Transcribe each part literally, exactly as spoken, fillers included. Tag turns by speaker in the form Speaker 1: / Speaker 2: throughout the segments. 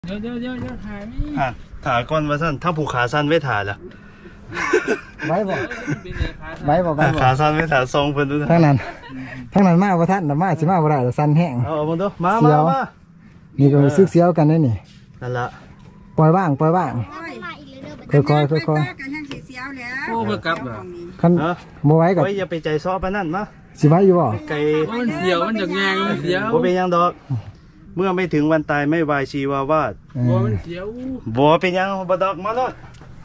Speaker 1: เดี๋ยวเดี๋ยวเดี๋ยวเดี๋ยวถ่ายไม่
Speaker 2: อ่ะถ่าก่อนว่าสั้นถ้าผูกขาสั้นไว้ถ่าละ
Speaker 3: ไว้บ่
Speaker 1: เป็นไงคะ
Speaker 3: ไว้บ่ไว้บ่
Speaker 2: ขาสั้นไว้ถ่าทรงเพิ่นดูนะ
Speaker 3: ทั้งนั้นทั้งนั้นมาบ่ทันน่ะมาสิมาบ่ได้สั่นแห้ง
Speaker 2: เอาเอาบ่ดูมา
Speaker 3: เสี
Speaker 2: มา
Speaker 3: ยว
Speaker 2: มา
Speaker 3: นี่ก็รู้สึกเสียวกันได้นี่
Speaker 2: นั่นละ
Speaker 3: ปล่อยว่างปล่อยว่างค่อยๆค่อย
Speaker 4: ๆกันยังสิเสียวแล้ว
Speaker 1: โอ้เพื่อกลับเหรอ
Speaker 3: ๆคัน
Speaker 2: เออ
Speaker 3: บ่ไหว้ก็
Speaker 2: ไว้อย่าไปใจซ้อปานนั้นมา
Speaker 3: สิไหว้อยู่บ่
Speaker 2: ไก่
Speaker 1: มันเสียวมันจากแงงมันเสียว
Speaker 2: บ่เป็นหยังดอก เมื่อไม่ถึงวันตายไม่วายชีวาวาด
Speaker 3: เอ
Speaker 1: โอ้
Speaker 3: อ
Speaker 1: มันเสียว
Speaker 2: บ่เป็นหยังบ่ดอกมาโลด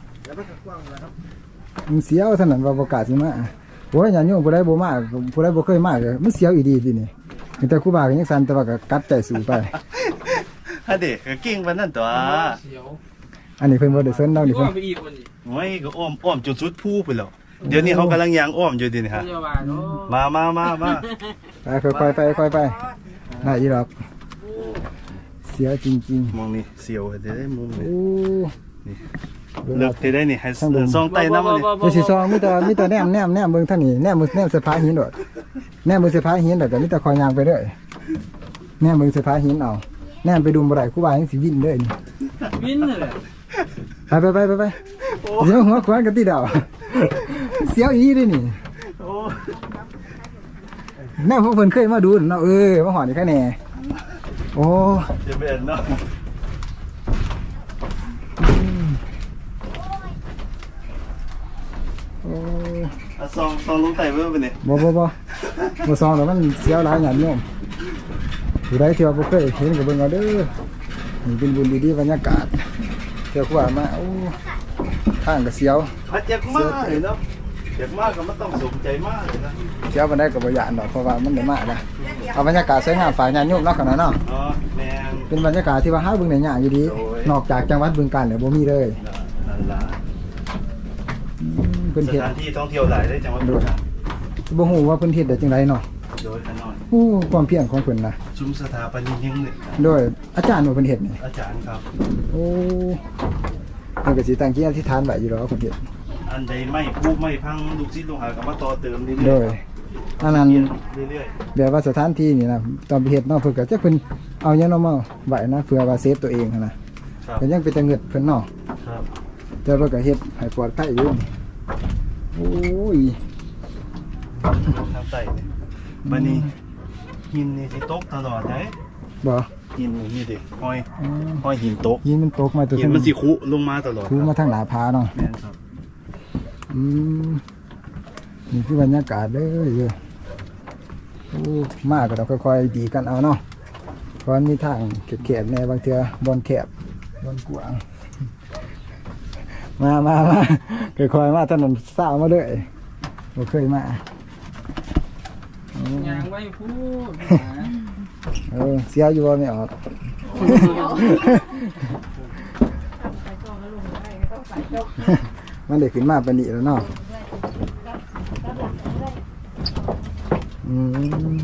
Speaker 3: มันเสียวเท่านั้นว่าบ่กล้าสิมาโอ้ยญาติโยมผู้ใดบ่มาผู้ใดบ่เคยมาก็มันเสียวอีดีตินี่แต่ครูบาก็ยังสั่นแต่ว่าก็กัดใจสู้ไป
Speaker 2: ฮะเด็กก็เก่งปานนั้นตัว
Speaker 1: เสียว
Speaker 3: อันนี้เพิ่นบ่ได้สนเรานี่
Speaker 1: ก็
Speaker 3: เพิ่น
Speaker 1: ไปอีกวันนี้
Speaker 2: โอ้ยก็อ้อมอ้อมจนสุดภูไปแล้วเดี๋ยวนี้เขากำลังยางอ้อมอยู่ดินี่ฮะ
Speaker 1: พยาบาลเนาะ
Speaker 2: มามามามา
Speaker 3: ไปค่อยๆไปค่อยๆไปได้อีดอกเสียวจริง
Speaker 2: มองนี่เสียวเดี๋ยวได้มุม
Speaker 3: ๆ
Speaker 2: นี่
Speaker 3: โอ้
Speaker 2: เลิกได้นี่ให้ซองไตน้ำมันนี่
Speaker 3: เดี๋ยวสิซองมีแต่มีแต่แนมแนมแนมเบิ่งทางนี้แนมมือแนมเสื้อผ้าหินโดดแนมมือเสื้อผ้าหินแล้วก็มีแต่คอยยางไปเรื่อยแนมเบิ่งเสื้อผ้าหินเอาแนมไปดุมบ่ได้ครูบายังสิวิ่นเด้อนี่
Speaker 1: วินเลย
Speaker 3: ไปไปไปไปไปเดี๋ยวหัวขวานกันติดเอาเสียวอีเด้อนี่
Speaker 2: โอ้
Speaker 3: แนมพวกเพิ่นเคยมาดูเนาะเออมาหอนี่แค่แน่โอ้
Speaker 2: จะเป็นเนาะ
Speaker 3: โอ้
Speaker 2: อ่ะซองซองลงไตเบิ่งไปนี่
Speaker 3: บ่บ่บ่บ่ซองแล้วมันเสียวหลายหยันโยมผู้ใดที่ว่าบ่เคยเห็นก็เบิ่งเอาเด้อนี่เป็นบุญดีๆบรรยากาศเที่ยวครูบามาโอ้ทางก็เสียว
Speaker 2: พัดอยากมากเลยเนาะอยากมากก็มันต้องสมใจมากเลยนะ
Speaker 3: เสียวมันได้กับบริยานดอกเพราะว่ามันได้มากนะเอาบรรยากาศสวยงามฝ่ายงานโยมเนาะขนาดเนาะ
Speaker 2: อ๋อแม่ง
Speaker 3: เป็นบรรยากาศที่ว่าหาเบิ่งได้ยากอยู่ดี
Speaker 2: โอ้ย
Speaker 3: นอกจากจังหวัดบึงกาฬเนี่ยบ่มีเลย
Speaker 2: นั่นล่ะ
Speaker 3: อืมเพิ่น
Speaker 2: ส
Speaker 3: เฮ็ด
Speaker 2: ถานที่ท่องเที่ยวหลายได้จังหวัดบุรีรัมย์
Speaker 3: บ่ฮู้ว่าเพิ่นเฮ็ดได้จังไดเนาะ
Speaker 2: โดยขนอน
Speaker 3: โอ้ความเพียรของเพิ่นน่ะ
Speaker 2: ชุมสถาปนิกยังเนี่ย
Speaker 3: โดยอาจารย์ว่าเพิ่นเฮ็ดนี่
Speaker 2: อาจารย์ครับ
Speaker 3: โอ้เพิ่นก็สิตั้งจิตอธิษฐานไว้อยู่ดอกว่าเพิ่นเฮ็ด
Speaker 2: อันใดไม่พูไม่พังลูกศิษย์ลูกหาก็มาต่อเติมเรื่อยๆ
Speaker 3: โดยอันนั้น
Speaker 2: เรื่อย
Speaker 3: แบบว่าสถานที่นี่นะตอนไปเฮ็ดเนาะเพิ่นก็จักเพิ่นเอาหยังเนาะมาไว้นะเพื่อว่าเซฟตัวเองหันน่ะ
Speaker 2: ๆครับ
Speaker 3: ก็ยังเป็นตะเงิดเพิ่นเนาะ
Speaker 2: ครับ
Speaker 3: แต่ว่าก็เฮ็ดให้ปลอดภัยอยู่โอ้ย
Speaker 2: ทางใต้เนี่ยบัดนี้หินนี่สิตกตลอดเด้
Speaker 3: บ่
Speaker 2: หินนี่ดิห้อย
Speaker 3: อืม
Speaker 2: ห้อยหินตก
Speaker 3: หินมันตกมาตัว
Speaker 2: หินมันสิคุลงมาตลอด
Speaker 3: คูมาทางหน้าผาเนาะ
Speaker 2: แม่นครับ
Speaker 3: อืมนี่คือบรรยากาศเด้อเยอะโอ้มากก็ต้องค่อยๆดีกันเอาเนาะเพราะมันมีทางแคบๆแน่บางเทื่อบอนแคบบอนกว้างมามามาค่อยๆมาถนนสาวมาเลยบ่เคยมาโอ้
Speaker 1: ยางไว้พูด
Speaker 3: เออเสียอยู่บ่ไม่ออก มันได้ขึ้นมาปานนี้แล้วเนาะอืม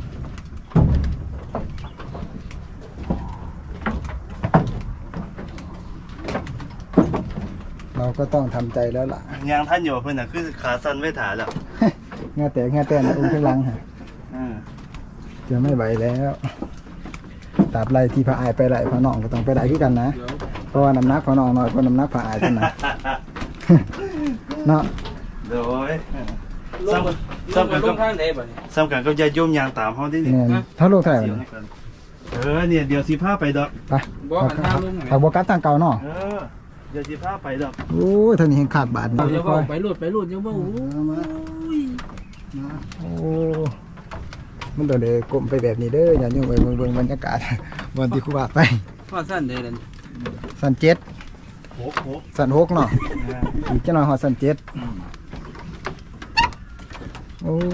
Speaker 3: เราก็ต้องทำใจแล้วล่ะ
Speaker 2: ยางท่านอยู่เพิ่นน่ะคือขาสั้นไว้ถ่าแล้ว
Speaker 3: งาแต่งาแต่นะอุ้งข้างหลังฮะ
Speaker 2: อือ
Speaker 3: จะไม่ไหวแล้วตราบไรที่พระอายไปไหลพระน้องก็ต้องไปไหลคือกันนะ
Speaker 1: เดี๋ยว
Speaker 3: เพราะว่าน้ำหนักพระน้องน้อยกว่าน้ำหนักพระอายกันนะเนาะ
Speaker 2: โดย
Speaker 1: ลงลงไปลงทางไหนบ่เนี่ย
Speaker 2: สำคัญกับญาติโยมยางตามเฮาดินี่
Speaker 3: เนี่ยเท่าโลกเท่าไหร่
Speaker 2: เสียว
Speaker 3: เนี่ย
Speaker 2: ให้กันเออเนี่ยเดี๋ยวสิพาไปดอก
Speaker 3: ไป
Speaker 1: บ่หันทางลงไหน
Speaker 3: ขับบกัดทางเก่าเนาะ
Speaker 2: เออเดี๋ยวสิพาไปดอก
Speaker 3: โอ้ยท่านนี้เห็นขาดบาท
Speaker 1: เดี๋ยว
Speaker 3: ค่
Speaker 1: ว่า
Speaker 3: อย
Speaker 1: ไปรูดไปรูดเดี๋ยวว่าโอ้ย
Speaker 3: โอ้มันโดนเลยกลมไปแบบนี้เด้ออย่าโยมไปเบิ่งเบิ่งบรรยากาศวันที่ครูบาไป
Speaker 1: พ่อสั้นเด้นั่น
Speaker 3: สันเจ็ด
Speaker 2: โหโห
Speaker 3: สันหกเนาะ
Speaker 2: อ่า
Speaker 3: อีกจะหน่อยหอดสันเจ็ดโอ้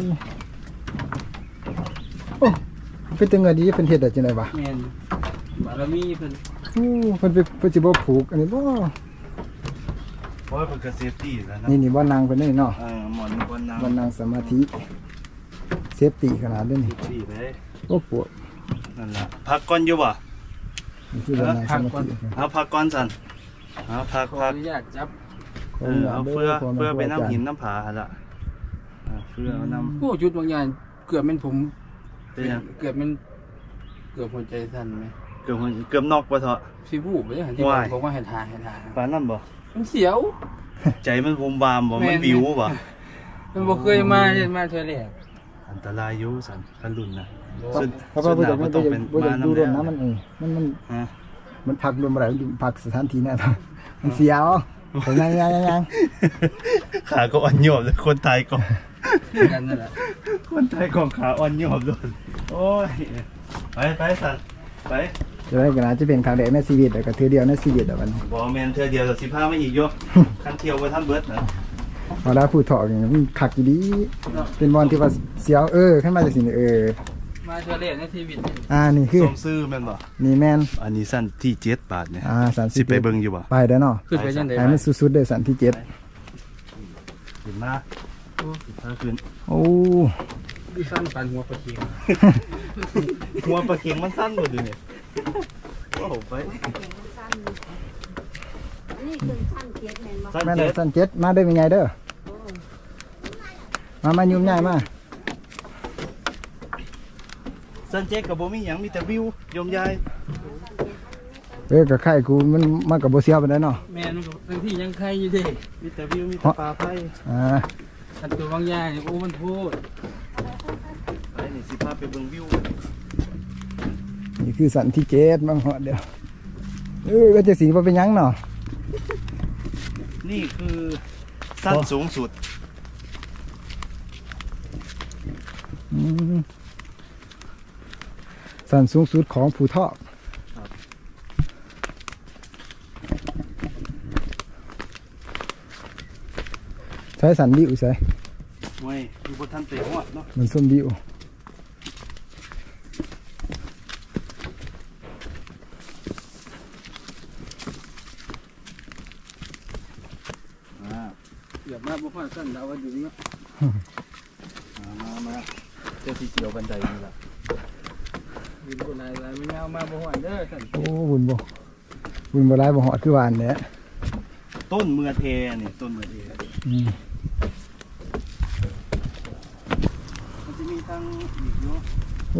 Speaker 3: โอ้เป็นตังเงินดีเป็นเห็ดอะไรจังไดวะ
Speaker 1: แม่นบารมีเพิ่น
Speaker 3: โอ้เพิ่นไปเพิ่นสิบ่ผูกอันนี้บ่
Speaker 2: เพราะว่าเป็นกระเซฟตี้แล้วนะ
Speaker 3: นี่นี่บ่นางเพิ่นนี่เนาะ
Speaker 2: เออหมอนบนน้ำ
Speaker 3: บ่นางสมาธิเซฟตี้ขนาดนี้นี่
Speaker 2: ตี้เลย
Speaker 3: โอ้ปวด
Speaker 2: นั่นแหละพักก่อนอยู่บ่
Speaker 3: นี่คือบ่นางสมาธิ
Speaker 2: เอาพักก่อนสันเอาพัก
Speaker 1: ขอ
Speaker 2: พั
Speaker 1: อก นุญาตจับ
Speaker 2: เออเอาเพื่อเพื่อไปน้ำหินน้ำผาหั่นละเอาเพื่อเอาน้
Speaker 1: โอ้จุดบางอย่างเกือบเป็นผม
Speaker 2: ำเป็นหยัง
Speaker 1: เกือบเป็นเกือบหัวใจสั่นไหม
Speaker 2: เเกือบเกือบนอกปะเถอะ
Speaker 1: พี่บูไปยังหันที่
Speaker 2: ว้าย
Speaker 1: บอกว่าให้ทานให้ทาน
Speaker 2: ปานนั่นบ่
Speaker 1: มันเสียว
Speaker 2: ใจมันวมวามบ่
Speaker 1: แม่
Speaker 2: มัน
Speaker 1: น
Speaker 2: วิวบ่
Speaker 1: มันบ่เคยมาเห็นมาเธอแรก
Speaker 2: อันตรายอยู่สันคันรุ่นนะ
Speaker 3: เพราะ
Speaker 2: สุด
Speaker 3: เพราะ
Speaker 2: สุ
Speaker 3: ว่า
Speaker 2: ด
Speaker 3: บ่
Speaker 2: ห
Speaker 3: อาก
Speaker 2: นายบ่ต้องเป็น
Speaker 3: บ่อยาก
Speaker 2: มา
Speaker 3: ดู
Speaker 2: น้ำ
Speaker 3: รถ
Speaker 2: แล้ว
Speaker 3: น้ำมันเองมันมัน
Speaker 2: ฮะ
Speaker 3: มันพักรวมอะไรมันพักสถานที่เนี่ยมันเสียวแต่ยังยังยังยัง
Speaker 2: ขาก็อ่อนโยบเลยคนไทยก็
Speaker 1: กันนั่นแหละ
Speaker 2: คนไทยของขาอ่อนโยบเลยโอ้ยไปไปสันไป
Speaker 3: จะได้กันนะจะเป็นครั้งแรกในชีวิตแต่ก็เทือเดียวในชีวิตแต่วัน
Speaker 2: บอแมนเธอเดียวกับสิบห้าไม่อีกโยคันเที่ยวไปท่านเบิร์ดนะ
Speaker 3: พอแล้วพูดถอกอย่างนี้มันขักอยู่ดีเป็นบอลที่ว่าเสียวเออขึ้นมาจากสิ่งเออ
Speaker 1: มาเธอแรกในชีวิตนี่
Speaker 3: อ่านี่คือ
Speaker 2: สมซื้อแม่นบ่
Speaker 3: นี่แมน
Speaker 2: อันนี้สั้นที่เจ็ดบาทเนี่ย
Speaker 3: อ่าสามสิ
Speaker 2: สิ
Speaker 3: บ
Speaker 2: ไปเบิ่งอยู่บ่
Speaker 3: ไปได้เนาะ
Speaker 1: ขึ้นไปยังไง
Speaker 3: ไอ้มันสุดๆเลยสันที่เจ็ด
Speaker 2: เห็นมาสิบห้าคืน
Speaker 3: โอ้
Speaker 1: ดิสั้นปันหัวปลาเคียง
Speaker 2: หัวปลาเค็งมันสั้นหมดเลยเนี่ยโอ้โหไป
Speaker 4: นี่คือขั้นเทียบแมนบ่
Speaker 2: สั้น
Speaker 3: แม่น
Speaker 2: เจ็ด
Speaker 3: สันเจ็ดมาได้เป็นไงเด้อมามายุ่งง่ายมา
Speaker 2: สั้นเจ็ดกับโบมีหยังมีแต่วิวยมยาย
Speaker 3: เออกับไข่กูมันมากับโบเซียวไปได้เนาะ
Speaker 1: แม่นมันก็ทั้งที่ยังใครอยู่เด้
Speaker 2: มีแต่วิวมีแต่ปลาไผ่
Speaker 3: อ่า
Speaker 1: อันตัวบางอย่างนี่โอ้มันโพด
Speaker 2: ไปนี่สิพาไปเบิ่งวิว
Speaker 3: นี่คือสันที่เจ็ดบางหอดเดียวเออก็จะสีว่าเป็นหยังเนาะ
Speaker 2: นี่คือสั้นสูงสุด
Speaker 3: อืมสันสูงสุดของภูทอกใช้สันบิวใช่
Speaker 2: เว้ยอยู่บนทันเตะหัวเนาะ
Speaker 3: มันส้มบิว
Speaker 2: อ่า
Speaker 1: เกือบมาบ่พอสั้นดาวว่าอยู่นี่
Speaker 2: มามามาเจ้าที่เกี่ยวบันไดนี่แหละ
Speaker 1: มีคนอะไรไม่เอามาบ่ฮอดเด้อสั้น
Speaker 3: โอ้บุญบ่บุญบ่ร้ายบ่หอดคือหวานเนี่ย
Speaker 2: ต้นเมือเทนี่ต้นเมือเท
Speaker 3: อืม
Speaker 2: มันจะมีทางอีกเนาะ
Speaker 3: โอ้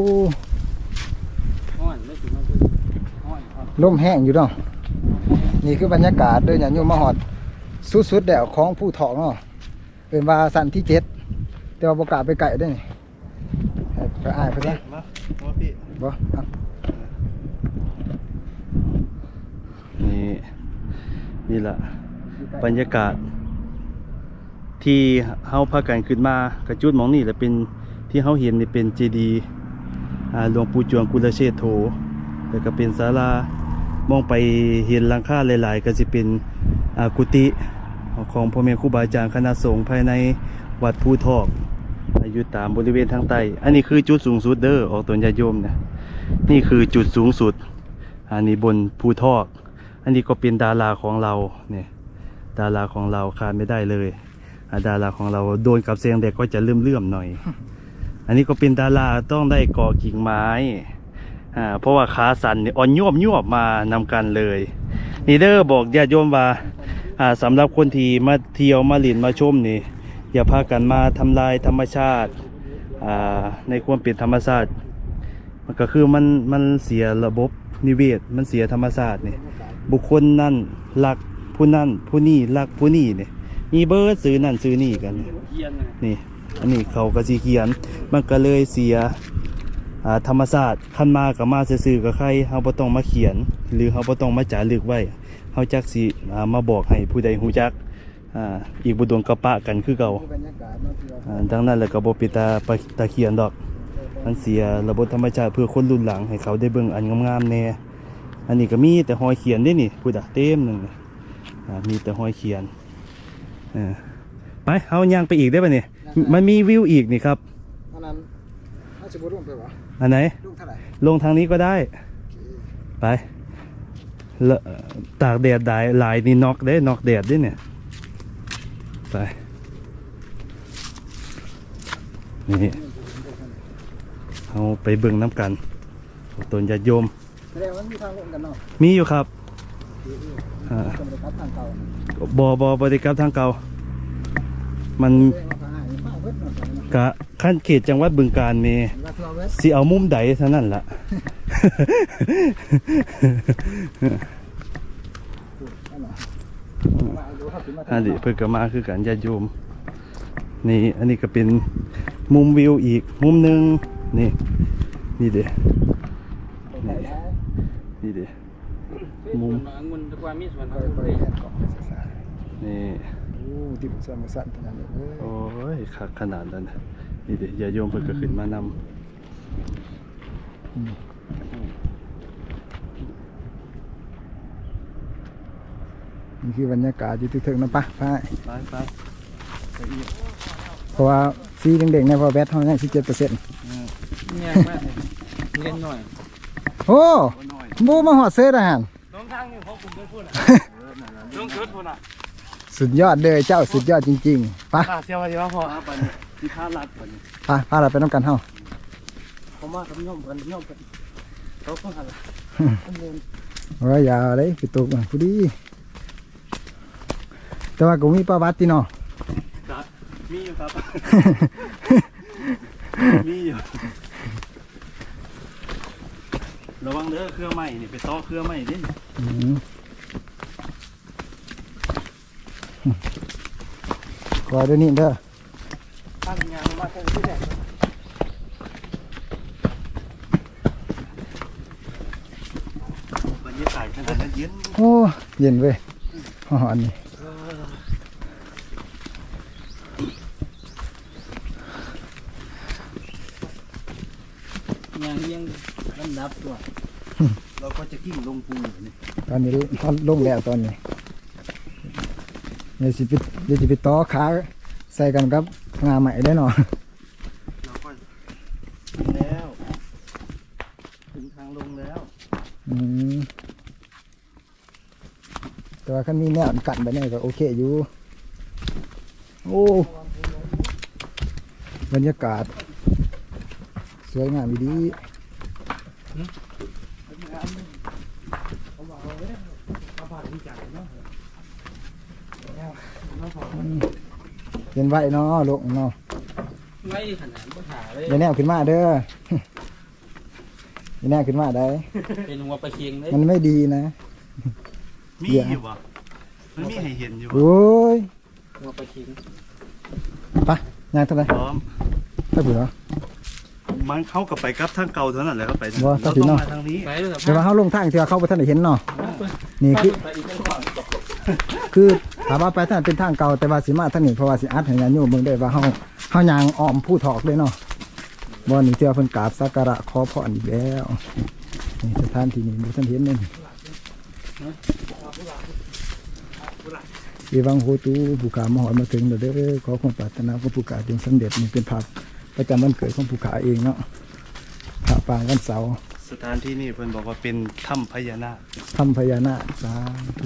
Speaker 1: ฮ้อนแล้วสิมาเพิ่นฮ้อนครับ
Speaker 3: ลมแห้งอยู่เนาะนี่คือบรรยากาศเด้ออย่าโยมมาหอดสุดๆแล้วของภูทอกเนาะเป็นว่าสันที่เจ็ดแต่ว่าบ่กล้าไปไกลเด้อนี่ให้ไปอ้ายไปซะ
Speaker 2: มามาพี่
Speaker 3: บ่ครับ
Speaker 2: นี่นี่แหละบรรยากาศ ที่เฮาพากันขึ้นมากระจุดหมองนี่แหละเป็นที่เฮาเห็นนี่เป็นเจดีย์อ่าหลวงปู่จวงกุลเชษโธแล้วก็เป็นศาลามองไปเห็นหลังคาหลายๆก็สิเป็นอ่ากุฏิของพ่อแม่ครูบาอาจารย์คณะสงฆ์ภายในวัดภูทอกอยู่ตามบริเวณทางใต้อันนี้คือจุดสูงสุดเด้อออกตนญาติโยมนะนี่คือจุดสูงสุดอันนี้บนภูทอกอันนี้ก็เป็นดาราของเราเนี่ยดาราของเราขาดไม่ได้เลยอ่าดาราของเราโดนกับเสียงเด็กก็จะเลื่อมๆหน่อย อันนี้ก็เป็นดาราต้องได้ก่อกิ่งไม้อ่าเพราะว่าขาสั่นนี่อ่อนยวบยวบมานำกันเลยนี่เด้อบอกญาติโยมว่าอ่าสำหรับคนที่มาเที่ยวมาเล่นมาชมนี่อย่าพากันมาทำลายธรรมชาติอ่าในความเป็นธรรมชาติมันก็คือมันมันเสียระบบนิเวศมันเสียธรรมชาตินี่บุคคลนั่นรักผู้นั่นผู้นี่รักผู้นี่นี่มีเบิร์ดซื้อนั่นซื้อนี่กันนี่
Speaker 1: เยียนนะ
Speaker 2: นี่อันนี้เขาก็สีเขียนมันก็เลยเสียอ่าธรรมศาสตร์ขั้นมากับมาซื่อๆกับใครเฮาบ่ต้องมาเขียน หรือเฮาบ่ต้องมาจารึกไว้เฮาจักสิอ่ามาบอกให้ผู้ใดฮู้จักอ่าอีกบ่โดนกระปะกันคือเก่า
Speaker 3: บรรยากาศเนาะที่ว่า
Speaker 2: อ่าดังนั้นแล้วก็บ่เป็นตาไปตาเขียนดอกมันเสียระบบธรรมชาติเพื่อคนรุ่นหลังให้เขาได้เบิ่งอันงามๆแน่อันนี้ก็มีแต่หอยเขียนเด้นี่พูดอ่ะเต็มหนึงอ่ามีแต่หอยเขียนเออไปเฮาย่างไปอีกได้ป่ะนี่มันมีวิวอีกนี่ครับ
Speaker 3: อันนั้นน่าจะบ่ร่วมไปวะ
Speaker 2: อันไหน
Speaker 3: ร่วมเท่าไหร่
Speaker 2: ลงทางนี้ก็ได้ ไปละตากแดดได้หลายนี่นอกได้นอกแดดด้วยเนี่ย ไป นี่เอาไปเบิ่งน้ำกันตนญาติโยม
Speaker 3: แสดงว่ามีทางลงกันเนาะ
Speaker 2: มีอยู่ครับอ่า
Speaker 3: จะไปครับทางเก่า
Speaker 2: บอบอบริกรรมทางเก่า มัน
Speaker 3: แสดงว่าเขาหายมาเบิดเนาะ
Speaker 2: กะขั้นเขตจังหวัดบึงกาฬมี
Speaker 3: ว่าทั่วเบิด
Speaker 2: สิเอามุมใดเท่านั้นล่ะอันนี้เพิ่งก็มาคือกันญาติโยมนี่อันนี้ก็เป็นมุมวิวอีกมุมหนึ่งนี่นี่เด้นี่นี่เด้มุม
Speaker 1: องุ่นตะกวามีส่วน
Speaker 3: ค่อยๆแอนกล่องไปซ่า
Speaker 2: นี่
Speaker 3: ๆโอ้ดิบสั่นสั่นขนาดนี้เอ้ย
Speaker 2: โอ้ยคักขนาดนั้นน่ะนี่เด้ญาติโยมเพิ่งก็ขึ้นมานำ
Speaker 3: นี่คือบรรยากาศอยู่ที่ถึงนะปะพาย
Speaker 2: ไปไปไปอีก
Speaker 3: เพราะว่าซีเด็กๆในพอแบตเท่านั้นสิบเจ็ดเปอร์เซ็นต์
Speaker 1: เนี่ยมากเลยเล่นหน่อย
Speaker 3: โอ้
Speaker 2: หน่อย
Speaker 3: บูมาหอดเสื้อทหาร
Speaker 1: น้องทางนี่เขาคุมได้พูดอ่ะน้องชุดพูดอ่ะ
Speaker 3: สุดยอดเลยเจ้าสุดยอดจริงๆไปะ
Speaker 1: ขาเสียวอะไรวะพ่อ
Speaker 2: ไปที่ท่าลัดก่อน
Speaker 3: ปะพาเราไปน้ำกันเท่า
Speaker 1: ผมมากับย่อมกันย่อมกันเขาก็หัน
Speaker 3: โอ้ยอย่าเลยไปตกมันพอดีแต่ว่ากูมีประวัติเนาะ
Speaker 2: ครับมีอยู่ครับ มีอยู่ระวังเด้อเครื่องใหม่นี่ไปต่อเครื่องใหม่ดิ
Speaker 3: อืมขอเดี๋ยวนี้เด้อ
Speaker 1: ตั้งงานมาแค่ที่ไหน
Speaker 2: บรรยากาศขนาดนั้นเย็น
Speaker 3: โอ้เย็นเว้ยหอนนี่
Speaker 1: ยังยังลำดับตัว
Speaker 2: เราก็จะกิ้งลงปูนี่
Speaker 3: ตอนนี้ตอนลงแล้วตอนนี้เดี๋ยวสิไปเดี๋ยวสิไปต่อขาใส่กันกับงาใหม่ได้เนาะ
Speaker 2: เราก็ถึงแล้วถึงทางลงแล้ว
Speaker 3: อืมแต่ว่าคันมีแนวกันไปเนี่ยก็โอเคอยู่โอ้บรรยากาศสวยงามดีเห็นไว้เนาะลูกเนาะ
Speaker 1: ไม่ขนาดก็ถ่ายเลย
Speaker 3: อย่าแนวขึ้นมาเด้อ อย่าแนวขึ้นมาได้
Speaker 1: เป็นหัวปลาเคียงเลย
Speaker 3: มันไม่ดีนะ
Speaker 2: มีอยู่ปะมันมีให้เห็นอยู่ปะ
Speaker 3: โอ้ย
Speaker 1: หัวปลาเคียง
Speaker 3: ไปยางเท่าไหร่
Speaker 2: พร้อม
Speaker 3: ถ้าเผื่อ
Speaker 2: มันเข้ากับไปกับทางเก่าเท่านั้นแหละก็ไปทาง
Speaker 3: บ่
Speaker 2: เรา
Speaker 3: ถ้าถึ
Speaker 2: ต้อง ง
Speaker 3: เนาะ
Speaker 2: มาทางนี้
Speaker 1: ไปด้วย
Speaker 3: เดี๋ยวว่าเขาลงทางที่ว่าเขาไปท่านได้เห็นเนาะนี่คือ
Speaker 1: ไปอีกก่อน
Speaker 3: คือถามว่าไปท่านเป็นทางเก่าแต่ว่าสิมาทางนี้เพราะว่าสิอัดให้ญาติโยมเบิ่งได้ว่าเฮาเฮายางอ้อมผู้ถอกเลยเนาะบ่นี่เที่ยวเพิ่นกราบสักการะขอพรอีกแล้วนี่สถานที่นี้บ่ทันเห็นเลยเอวังโหตูผู้ขามาหอดมาถึงแล้วเด้อขอความปรารถนาของผู้ขาจงสำเร็จนี่เป็นภาพประจำวันเกิดของผู้ขาเองเนาะพระปางวันเสาร์
Speaker 2: สถานที่นี่เพิ่นบอกว่าเป็นถ้ำพญานาค
Speaker 3: ทำพญานาคสาธุ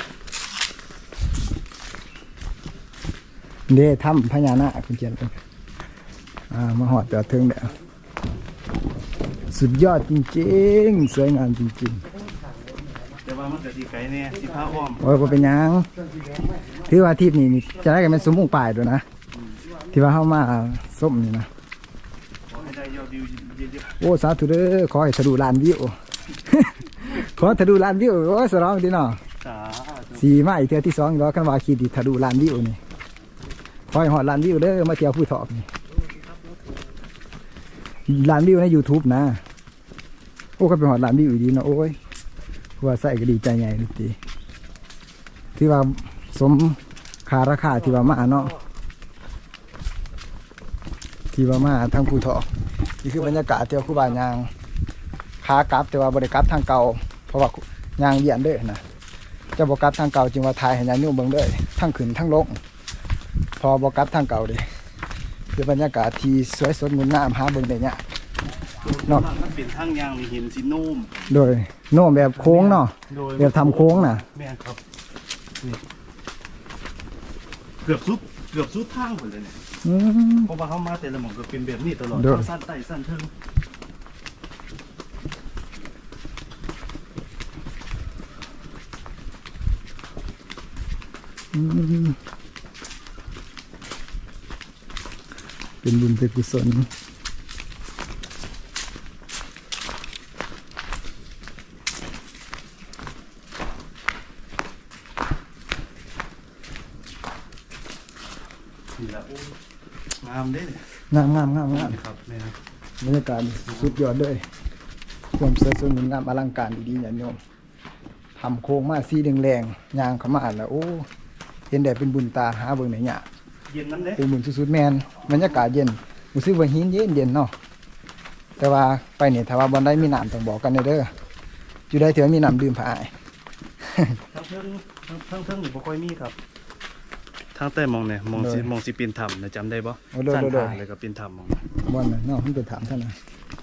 Speaker 3: เด้ทำพญานาคคุณเจียนเป็นอ่ามาหอดจอดถึงเด้อสุดยอดจริงๆสวยงามจริง
Speaker 2: แต่ว่ามันก็ดีไกลเนี่ยที่พระอ้อม
Speaker 3: ๆโอ้ยบ่เป็นหยังถือว่าทีปนี้นี่จะได้กันเป็นสมมุงป่ายด้วยนะที่ว่าเข้ามาส้มนี่นะ
Speaker 2: ขอให้ได้ยอดวิวเยอะ
Speaker 3: โอ้สาธุเด้อขอให้ทะลุล้านวิว ขอทะลุล้านวิวโอ้ยสร้องดีเนาะ
Speaker 2: ๆสาธุ
Speaker 3: สี่มาอีกเทื่อที่สองอีกแล้วกันว่าขีดดิทะลุล้านวิวนี่ขอให้หอดล้านวิวเด้อมาเที่ยวผู้ถอกนี่ล้านวิวใน YouTube นะโอ้ก็เป็นหอดล้านวิวอีกดีเนาะโอ้ยว่าใส่ก็ดีใจใหญ่เลยทีที่ว่าสมค่าราคาที่ว่ามาเนาะที่ว่ามาทางผู้ถอกนี่คือบรรยากาศเที่ยวคู่บ้านยางขากลับแต่ว่าบริกลับทางเก่าเพราะว่ายางเบียนเด้อนะจะบอกกลับทางเก่าจึงว่าทายให้ยางนุ่มเบิ่งเด้อทั้งขึ้นทั้งลงพอบอกกลับทางเก่าเด้คือบรรยากาศที่สวยสดงดงามหาเบิ่งได้เนี่ย
Speaker 2: เนาะมันเป็นทางยางนี่เห็นสินุ่ม
Speaker 3: โดยโน้มแบบโค้งเนาะ
Speaker 2: โดย
Speaker 3: แบบทำโค้งน่ะ
Speaker 2: แม่นครับนี่เกือบสุดเกือบสุดทางหมดเลยเนี่ย
Speaker 3: อืม
Speaker 2: เพราะว่าเขามาแต่ละหม่องก็เป็นแบบนี้ตลอด
Speaker 3: โดย
Speaker 2: ทั้งสั้นใต้สั้นเทิง
Speaker 3: อืมเป็นบุญเป็นกุศล
Speaker 2: นี่ละโอ้งามเด้เนี่ย
Speaker 3: งามงามงามงาม
Speaker 2: ครับแม่ครับ
Speaker 3: บรรยากาศสุดยอดเลยความสวยสดงามอลังการดีๆอย่างโยมทำโค้งมาสีแดงๆยางเข้ามาแล้วโอ้เห็นแดดเป็นบุญตาหาเบิ่งไหนเนี่ย
Speaker 2: เย็นน้ำเด้
Speaker 3: เป็นบุญสุดๆแมนบรรยากาศเย็นรู้สึกว่าหินเย็นเย็นเนาะแต่ว่าไปเนี่ยถ้าว่าบอลได้มีน้ำต้องบอกกันเด้ออยู่ได้เถอะมีน้ำดื่มผ่าอ้าย
Speaker 2: ทั้งเทิงทั้งทั้งเทิงนี่บ่ค่อยมีครับทางใต้มองเนี่ยมองสิมองสิปีนถ้ำนะจำได้บ่
Speaker 3: โอ้โดด
Speaker 2: สั้น
Speaker 3: โดด
Speaker 2: ผ่าเลยก็ปีนถ้ำมอง
Speaker 3: บอลน่ะเนาะมันเป็นถามท่านนะ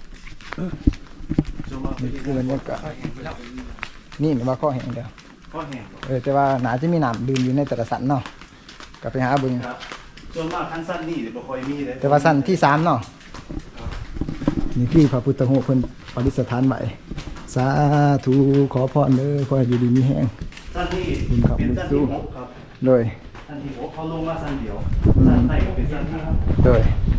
Speaker 2: จนมา
Speaker 3: นี่คือบรรยากาศนี่ว่าข้อแห้งเดียว
Speaker 2: ก็แห้ง
Speaker 3: เออแต่ว่าหนาจะมีน้ำดื่มอยู่ในแต่ละสันเนาะก็ไปหาเบิ่ง
Speaker 2: ครับจนมากทั้งสั้นนี่บ่ค่อยมีเลย
Speaker 3: แต่ว่าสันที่สามเนาะนี่คือพระพุทธรูปเพิ่นปฏิสถานใหม่สาธุขอพรเด้อขอให้อยู่ดีมีแห้ง
Speaker 2: สั้นนี่
Speaker 3: บุญครับ
Speaker 2: เป็น
Speaker 3: บุญ
Speaker 2: สั้น
Speaker 3: สู้
Speaker 2: ที่หกครับ
Speaker 3: โดย
Speaker 2: สั้นที่หกเขาลงมาสั้นเดียวสั้นใต้ก็เป็นสั้นที่ครับ
Speaker 3: โดย